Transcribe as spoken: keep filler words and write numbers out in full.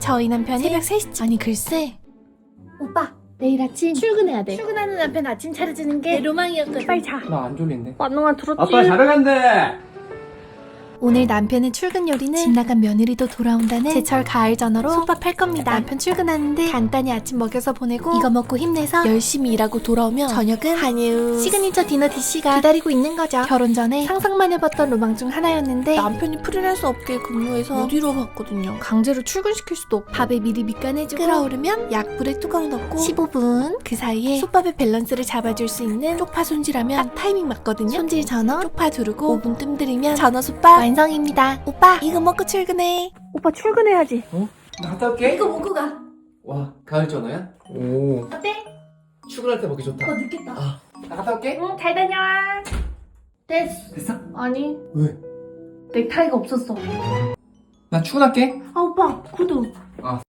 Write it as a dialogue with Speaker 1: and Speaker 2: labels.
Speaker 1: 저희 남편이 새벽 세 시쯤. 아니 글쎄.
Speaker 2: 오빠 내일 아침 출근해야 돼. 출근하는 남편 아침 차려주는 게 내 로망이었거든. 빨리 자.
Speaker 3: 나 안 졸린데.
Speaker 2: 만능아 들었지?
Speaker 3: 아빠 자러 간대.
Speaker 1: 오늘 남편의 출근 요리는 집 나간 며느리도 돌아온다는 제철 가을 전어로 솥밥 할 겁니다. 남편 출근하는데 간단히 아침 먹여서 보내고 이거 먹고 힘내서 열심히 일하고 돌아오면 저녁은 한유 시그니처 디너 디시가 기다리고 있는 거죠. 결혼 전에 상상만 해봤던 로망 중 하나였는데 남편이 프리랜서 업계에 근무해서 못 이뤄봤거든요. 강제로 출근시킬 수도 없고 밥에 미리 밑간해주고 끓어오르면 약불에 뚜껑 덮고 십오 분 그 사이에 솥밥의 밸런스를 잡아줄 수 있는 쪽파 손질하면 딱 타이밍 맞거든요. 손질 전어, 쪽파 두르고 오 분 뜸들이면 전어 솥밥 완성입니다. 오빠 이거 먹고 출근해.
Speaker 2: 오빠 출근해야지.
Speaker 3: 어? 나 갔다 올게.
Speaker 2: 이거 먹고 가.
Speaker 3: 와, 가을 전어야? 오.
Speaker 2: 어때?
Speaker 3: 출근할 때 먹기 좋다.
Speaker 2: 어 늦겠다.
Speaker 3: 아, 나 갔다 올게.
Speaker 2: 응 잘 다녀와. 됐어.
Speaker 3: 됐어?
Speaker 2: 아니
Speaker 3: 왜?
Speaker 2: 넥타이가 없었어.
Speaker 3: 나 출근할게.
Speaker 2: 아 오빠 구두.
Speaker 3: 아.